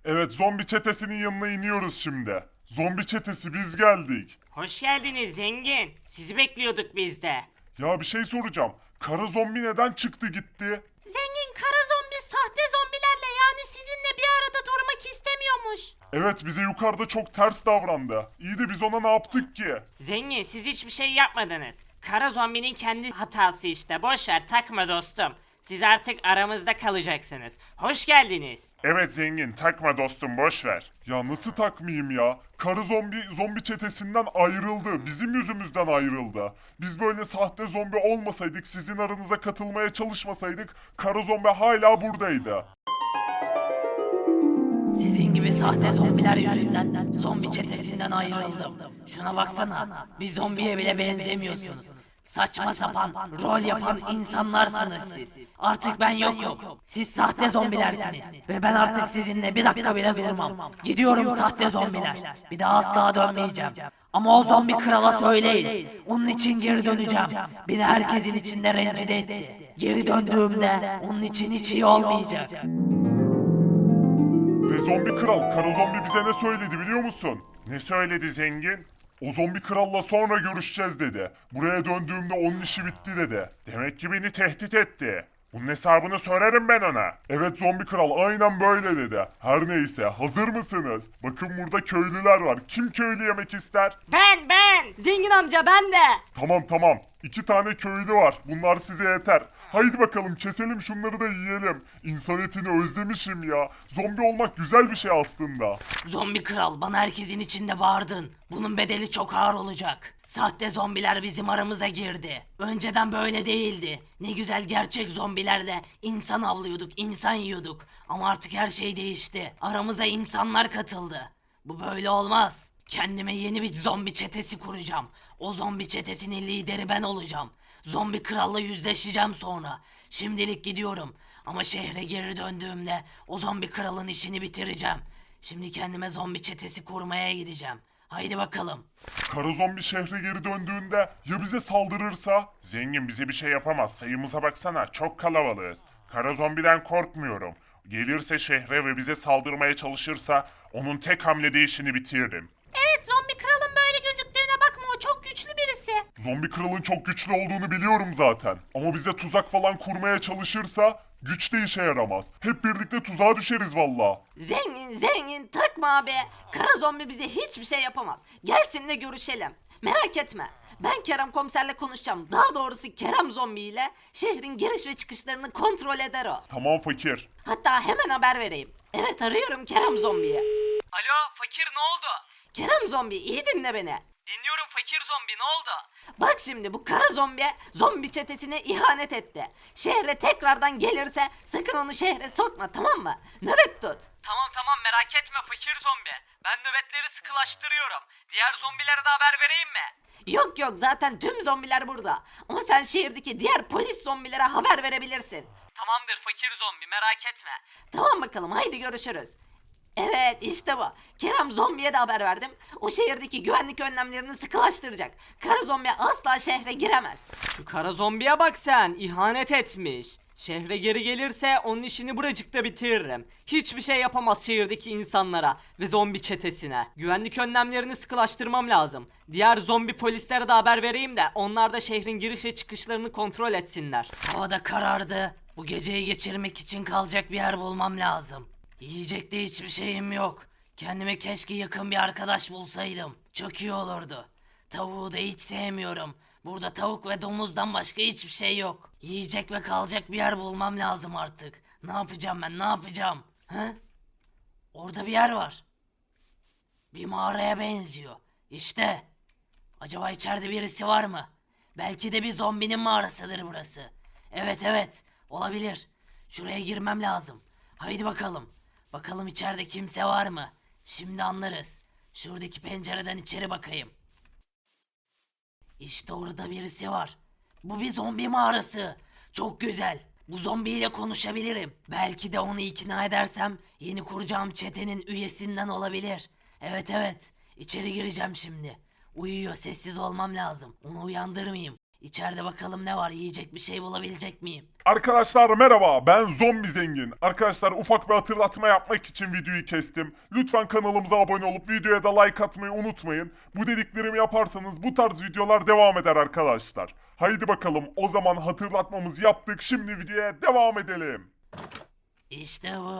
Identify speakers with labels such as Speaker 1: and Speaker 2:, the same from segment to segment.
Speaker 1: Evet, zombi çetesinin yanına iniyoruz şimdi. Zombi çetesi biz geldik.
Speaker 2: Hoş geldiniz zengin. Sizi bekliyorduk biz de.
Speaker 1: Ya bir şey soracağım. Kara zombi neden çıktı gitti?
Speaker 3: Zengin kara zombi sahte zombilerle yani sizinle bir arada durmak istemiyormuş.
Speaker 1: Evet, bize yukarıda çok ters davrandı. İyi de biz ona ne yaptık ki?
Speaker 2: Zengin siz hiçbir şey yapmadınız. Kara zombinin kendi hatası işte. Boş ver takma dostum. Siz artık aramızda kalacaksınız. Hoş geldiniz.
Speaker 1: Evet zengin, takma dostum, boş ver. Ya nasıl takmayayım ya? Karı zombi çetesinden ayrıldı. Bizim yüzümüzden ayrıldı. Biz böyle sahte zombi olmasaydık, sizin aranıza katılmaya çalışmasaydık, karı zombi hala buradaydı.
Speaker 4: Sizin gibi sahte zombiler yüzünden zombi çetesinden ayrıldım. Şuna baksana, bir zombiye bile benzemiyorsunuz. Saçma sapan, rol yapan insanlarsınız siz. Artık ben yokum. Siz sahte zombilersiniz. Ve ben artık sizinle bir dakika bile durmam. Gidiyorum sahte zombiler. Bir daha asla dönmeyeceğim. Ama o zombi krala söyleyin. Onun için geri döneceğim. Beni herkesin içinde rencide etti. Geri döndüğümde onun için hiç iyi olmayacak.
Speaker 1: Ve zombi kral, kara zombi bize ne söyledi biliyor musun? Ne söyledi zengin? O zombi kralla sonra görüşeceğiz dedi. Buraya döndüğümde onun işi bitti dedi. Demek ki beni tehdit etti. Bunun hesabını sorarım ben ona. Evet zombi kral, aynen böyle dedi. Her neyse, hazır mısınız? Bakın burada köylüler var. Kim köylü yemek ister?
Speaker 2: Ben. Zengin amca ben de.
Speaker 1: Tamam. 2 tane köylü var. Bunlar size yeter. Haydi bakalım keselim şunları da yiyelim. İnsan etini özlemişim ya. Zombi olmak güzel bir şey aslında.
Speaker 4: Zombi kral, bana herkesin içinde bağırdın. Bunun bedeli çok ağır olacak. Sahte zombiler bizim aramıza girdi. Önceden böyle değildi. Ne güzel gerçek zombilerle insan avlıyorduk, insan yiyorduk. Ama artık her şey değişti. Aramıza insanlar katıldı. Bu böyle olmaz. Kendime yeni bir zombi çetesi kuracağım. O zombi çetesinin lideri ben olacağım. Zombi kralla yüzleşeceğim sonra. Şimdilik gidiyorum. Ama şehre geri döndüğümde o zombi kralın işini bitireceğim. Şimdi kendime zombi çetesi kurmaya gideceğim. Haydi bakalım.
Speaker 1: Kara zombi şehre geri döndüğünde ya bize saldırırsa? Zengin bize bir şey yapamaz. Sayımıza baksana, çok kalabalığız. Kara zombiden korkmuyorum. Gelirse şehre ve bize saldırmaya çalışırsa onun tek hamlede işini bitiririm.
Speaker 3: Evet zombi kralın böyle gözüktüğüne bakma o çok güçlü birisi.
Speaker 1: Zombi kralın çok güçlü olduğunu biliyorum zaten. Ama bize tuzak falan kurmaya çalışırsa güç de işe yaramaz. Hep birlikte tuzağa düşeriz valla.
Speaker 2: Zengin takma abi. Kara zombi bize hiçbir şey yapamaz. Gelsin de görüşelim. Merak etme. Ben Kerem komiserle konuşacağım. Daha doğrusu Kerem zombi ile şehrin giriş ve çıkışlarını kontrol eder o.
Speaker 1: Tamam fakir.
Speaker 2: Hatta hemen haber vereyim. Evet arıyorum Kerem zombiyi.
Speaker 4: Alo fakir, ne oldu?
Speaker 2: Kerem zombi iyi dinle beni.
Speaker 4: Dinliyorum fakir zombi, ne oldu?
Speaker 2: Bak şimdi bu kara zombi çetesine ihanet etti. Şehre tekrardan gelirse sakın onu şehre sokma tamam mı? Nöbet tut.
Speaker 4: Tamam merak etme fakir zombi. Ben nöbetleri sıkılaştırıyorum. Diğer zombilere de haber vereyim mi?
Speaker 2: Yok zaten tüm zombiler burada. Ama sen şehirdeki diğer polis zombilere haber verebilirsin.
Speaker 4: Tamamdır fakir zombi, merak etme.
Speaker 2: Tamam bakalım haydi görüşürüz. Evet işte bu. Kerem zombiye de haber verdim. O şehirdeki güvenlik önlemlerini sıkılaştıracak. Kara zombi asla şehre giremez.
Speaker 5: Şu kara zombiye bak sen, ihanet etmiş. Şehre geri gelirse onun işini buracıkta bitiririm. Hiçbir şey yapamaz şehirdeki insanlara ve zombi çetesine. Güvenlik önlemlerini sıkılaştırmam lazım. Diğer zombi polislere de haber vereyim de onlar da şehrin giriş ve çıkışlarını kontrol etsinler.
Speaker 4: Hava da karardı. Bu geceyi geçirmek için kalacak bir yer bulmam lazım. Yiyecek de hiçbir şeyim yok. Kendime keşke yakın bir arkadaş bulsaydım. Çok iyi olurdu. Tavuğu da hiç sevmiyorum. Burada tavuk ve domuzdan başka hiçbir şey yok. Yiyecek ve kalacak bir yer bulmam lazım artık. Ne yapacağım ben, ne yapacağım? He? Orada bir yer var. Bir mağaraya benziyor. İşte. Acaba içeride birisi var mı? Belki de bir zombinin mağarasıdır burası. Evet, olabilir. Şuraya girmem lazım. Haydi bakalım. Bakalım içeride kimse var mı? Şimdi anlarız. Şuradaki pencereden içeri bakayım. İşte orada birisi var. Bu bir zombi mağarası. Çok güzel. Bu zombiyle konuşabilirim. Belki de onu ikna edersem yeni kuracağım çetenin üyesinden olabilir. Evet. İçeri gireceğim şimdi. Uyuyor, sessiz olmam lazım. Onu uyandırmayayım. İçeride bakalım ne var, yiyecek bir şey bulabilecek miyim?
Speaker 1: Arkadaşlar merhaba, ben Zombi Zengin. Arkadaşlar ufak bir hatırlatma yapmak için videoyu kestim. Lütfen kanalımıza abone olup videoya da like atmayı unutmayın. Bu dediklerimi yaparsanız bu tarz videolar devam eder arkadaşlar. Haydi bakalım, o zaman hatırlatmamızı yaptık, şimdi videoya devam edelim.
Speaker 4: İşte bu.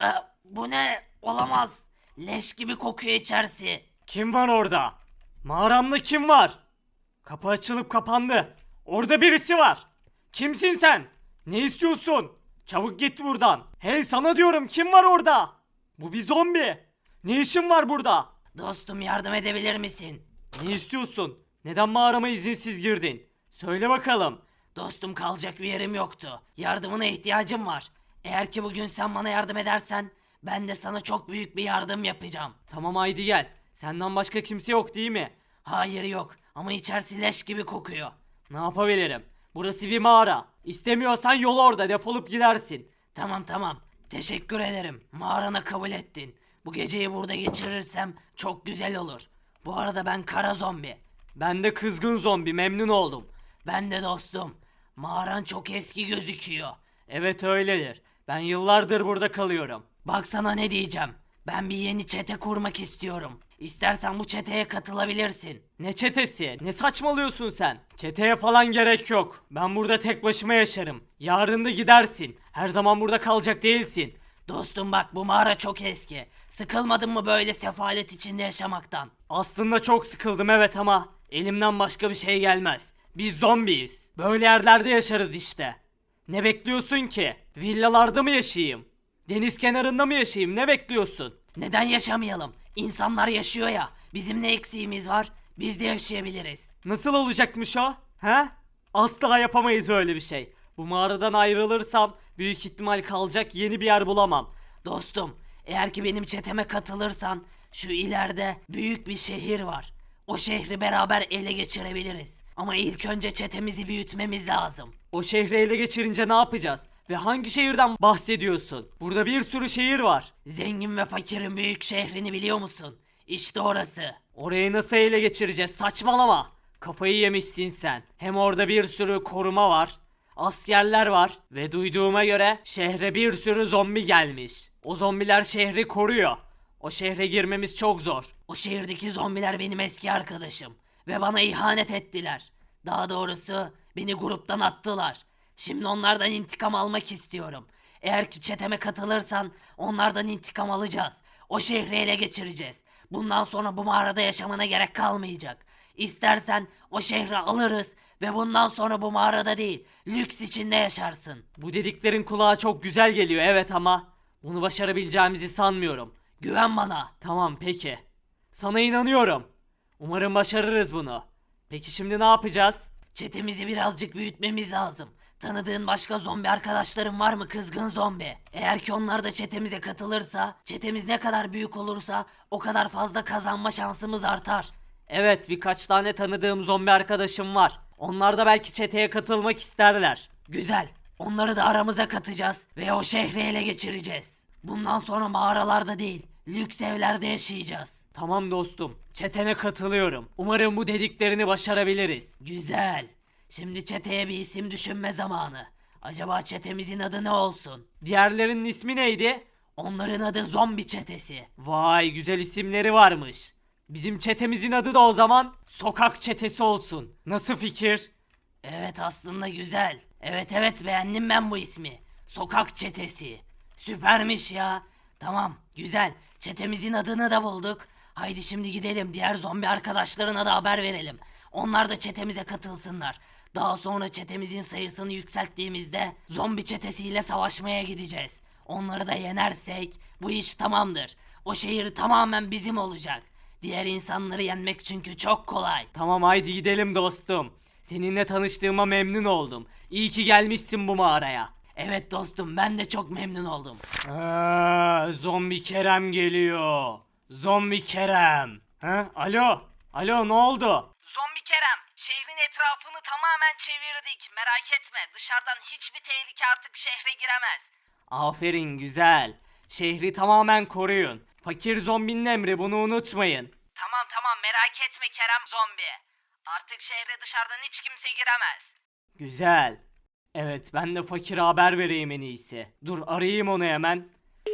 Speaker 4: Bu ne? Olamaz. Leş gibi kokuyor içerisi.
Speaker 5: Kim var orada? Mağaramda kim var? Kapı açılıp kapandı. Orada birisi var. Kimsin sen? Ne istiyorsun? Çabuk git buradan. Hey sana diyorum, kim var orada? Bu bir zombi. Ne işin var burada?
Speaker 4: Dostum, yardım edebilir misin?
Speaker 5: Ne istiyorsun? Neden mağarama izinsiz girdin? Söyle bakalım.
Speaker 4: Dostum, kalacak bir yerim yoktu. Yardımına ihtiyacım var. Eğer ki bugün sen bana yardım edersen ben de sana çok büyük bir yardım yapacağım.
Speaker 5: Tamam haydi gel. Senden başka kimse yok değil mi?
Speaker 4: Hayır, yok, ama içerisi leş gibi kokuyor.
Speaker 5: Ne yapabilirim? Burası bir mağara. İstemiyorsan yol orada, defolup gidersin.
Speaker 4: Tamam, teşekkür ederim. Mağarana kabul ettin. Bu geceyi burada geçirirsem çok güzel olur. Bu arada ben kara zombi.
Speaker 5: Ben de kızgın zombi, memnun oldum.
Speaker 4: Ben de dostum. Mağaran çok eski gözüküyor.
Speaker 5: Evet öyledir. Ben yıllardır burada kalıyorum.
Speaker 4: Bak sana ne diyeceğim. Ben bir yeni çete kurmak istiyorum. İstersen bu çeteye katılabilirsin.
Speaker 5: Ne çetesi? Ne saçmalıyorsun sen? Çeteye falan gerek yok. Ben burada tek başıma yaşarım. Yarın da gidersin. Her zaman burada kalacak değilsin.
Speaker 4: Dostum bak, bu mağara çok eski. Sıkılmadın mı böyle sefalet içinde yaşamaktan?
Speaker 5: Aslında çok sıkıldım evet, ama elimden başka bir şey gelmez. Biz zombiyiz. Böyle yerlerde yaşarız işte. Ne bekliyorsun ki? Villalarda mı yaşayayım? Deniz kenarında mı yaşayayım? Ne bekliyorsun?
Speaker 4: Neden yaşamayalım? İnsanlar yaşıyor ya. Bizim ne eksiğimiz var? Biz de yaşayabiliriz.
Speaker 5: Nasıl olacakmış o? He? Asla yapamayız öyle bir şey. Bu mağaradan ayrılırsam büyük ihtimal kalacak yeni bir yer bulamam.
Speaker 4: Dostum, eğer ki benim çeteme katılırsan şu ileride büyük bir şehir var. O şehri beraber ele geçirebiliriz. Ama ilk önce çetemizi büyütmemiz lazım.
Speaker 5: O şehri ele geçirince ne yapacağız? Ve hangi şehirden bahsediyorsun? Burada bir sürü şehir var.
Speaker 4: Zengin ve fakirin büyük şehrini biliyor musun? İşte orası.
Speaker 5: Orayı nasıl ele geçireceğiz? Saçmalama. Kafayı yemişsin sen. Hem orada bir sürü koruma var. Askerler var. Ve duyduğuma göre şehre bir sürü zombi gelmiş. O zombiler şehri koruyor. O şehre girmemiz çok zor.
Speaker 4: O şehirdeki zombiler benim eski arkadaşım. Ve bana ihanet ettiler. Daha doğrusu beni gruptan attılar. Şimdi onlardan intikam almak istiyorum. Eğer ki çeteme katılırsan onlardan intikam alacağız. O şehri ele geçireceğiz. Bundan sonra bu mağarada yaşamana gerek kalmayacak. İstersen o şehri alırız ve bundan sonra bu mağarada değil, lüks içinde yaşarsın.
Speaker 5: Bu dediklerin kulağa çok güzel geliyor evet, ama bunu başarabileceğimizi sanmıyorum.
Speaker 4: Güven bana.
Speaker 5: Tamam peki. Sana inanıyorum. Umarım başarırız bunu. Peki şimdi ne yapacağız?
Speaker 4: Çetemizi birazcık büyütmemiz lazım. Tanıdığın başka zombi arkadaşların var mı, kızgın zombi? Eğer ki onlar da çetemize katılırsa, çetemiz ne kadar büyük olursa o kadar fazla kazanma şansımız artar.
Speaker 5: Evet, birkaç tane tanıdığım zombi arkadaşım var. Onlar da belki çeteye katılmak isterler.
Speaker 4: Güzel. Onları da aramıza katacağız ve o şehri ele geçireceğiz. Bundan sonra mağaralarda değil, lüks evlerde yaşayacağız.
Speaker 5: Tamam dostum, çetene katılıyorum. Umarım bu dediklerini başarabiliriz.
Speaker 4: Güzel. Şimdi çeteye bir isim düşünme zamanı. Acaba çetemizin adı ne olsun?
Speaker 5: Diğerlerinin ismi neydi?
Speaker 4: Onların adı zombi çetesi.
Speaker 5: Vay, güzel isimleri varmış. Bizim çetemizin adı da o zaman sokak çetesi olsun. Nasıl fikir?
Speaker 4: Evet, aslında güzel. Evet, beğendim ben bu ismi. Sokak çetesi. Süpermiş ya. Tamam, güzel. Çetemizin adını da bulduk. Haydi şimdi gidelim, diğer zombi arkadaşlarına da haber verelim. Onlar da çetemize katılsınlar. Daha sonra çetemizin sayısını yükselttiğimizde zombi çetesiyle savaşmaya gideceğiz. Onları da yenersek bu iş tamamdır. O şehir tamamen bizim olacak. Diğer insanları yenmek çünkü çok kolay.
Speaker 5: Tamam haydi gidelim dostum. Seninle tanıştığıma memnun oldum. İyi ki gelmişsin bu mağaraya.
Speaker 4: Evet dostum, ben de çok memnun oldum.
Speaker 5: Zombi Kerem geliyor. Zombi Kerem. Alo. Alo ne oldu?
Speaker 4: Zombi Kerem, şehrin etrafını tamamen çevirdik. Merak etme, dışarıdan hiçbir tehlike artık şehre giremez.
Speaker 5: Aferin güzel. Şehri tamamen koruyun. Fakir zombinin emri, bunu unutmayın.
Speaker 4: Tamam, merak etme Kerem zombi. Artık şehre dışarıdan hiç kimse giremez.
Speaker 5: Güzel. Evet, ben de fakire haber vereyim en iyisi. Dur, arayayım onu hemen.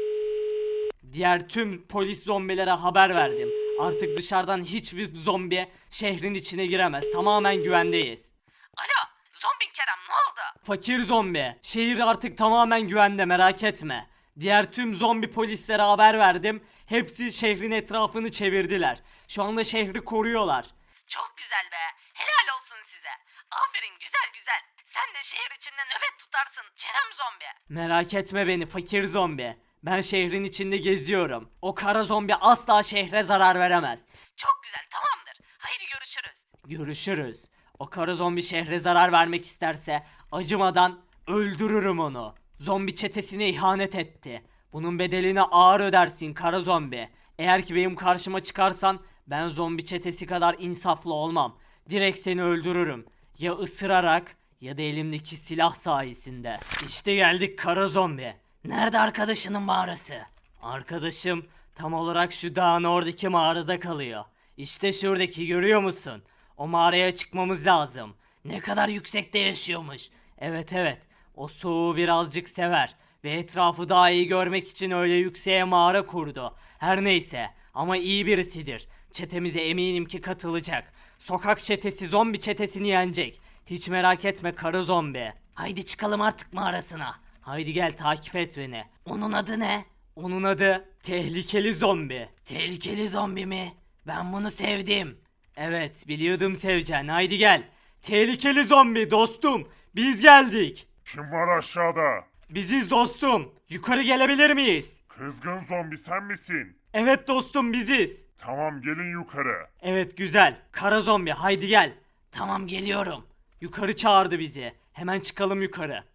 Speaker 5: Diğer tüm polis zombilere haber verdim. Artık dışarıdan hiçbir zombi şehrin içine giremez. Tamamen güvendeyiz.
Speaker 4: Alo, zombi Kerem ne oldu?
Speaker 5: Fakir zombi, şehir artık tamamen güvende, merak etme. Diğer tüm zombi polislere haber verdim. Hepsi şehrin etrafını çevirdiler. Şu anda şehri koruyorlar.
Speaker 4: Çok güzel be. Helal olsun size. Aferin güzel güzel. Sen de şehir içinde nöbet tutarsın Kerem zombi.
Speaker 5: Merak etme beni fakir zombi. Ben şehrin içinde geziyorum. O kara zombi asla şehre zarar veremez.
Speaker 4: Çok güzel tamamdır. Haydi görüşürüz.
Speaker 5: Görüşürüz. O kara zombi şehre zarar vermek isterse acımadan öldürürüm onu. Zombi çetesine ihanet etti. Bunun bedelini ağır ödersin kara zombi. Eğer ki benim karşıma çıkarsan ben zombi çetesi kadar insaflı olmam. Direkt seni öldürürüm. Ya ısırarak ya da elimdeki silah sayesinde. İşte geldik kara zombi.
Speaker 4: Nerede arkadaşının mağarası?
Speaker 5: Arkadaşım tam olarak şu dağın oradaki mağarada kalıyor. İşte şuradaki, görüyor musun? O mağaraya çıkmamız lazım.
Speaker 4: Ne kadar yüksekte yaşıyormuş.
Speaker 5: Evet, o soğuğu birazcık sever ve etrafı daha iyi görmek için öyle yükseğe mağara kurdu. Her neyse ama iyi birisidir. Çetemize eminim ki katılacak. Sokak çetesi zombi çetesini yenecek. Hiç merak etme kara zombi.
Speaker 4: Haydi çıkalım artık mağarasına.
Speaker 5: Haydi gel takip et beni.
Speaker 4: Onun adı ne?
Speaker 5: Onun adı tehlikeli zombi.
Speaker 4: Tehlikeli zombi mi? Ben bunu sevdim.
Speaker 5: Evet, biliyordum seveceksin. Haydi gel. Tehlikeli zombi dostum. Biz geldik.
Speaker 1: Kim var aşağıda?
Speaker 5: Biziz dostum. Yukarı gelebilir miyiz?
Speaker 1: Kızgın zombi sen misin?
Speaker 5: Evet dostum, biziz.
Speaker 1: Tamam gelin yukarı.
Speaker 5: Evet güzel. Kara zombi haydi gel.
Speaker 4: Tamam geliyorum.
Speaker 5: Yukarı çağırdı bizi. Hemen çıkalım yukarı.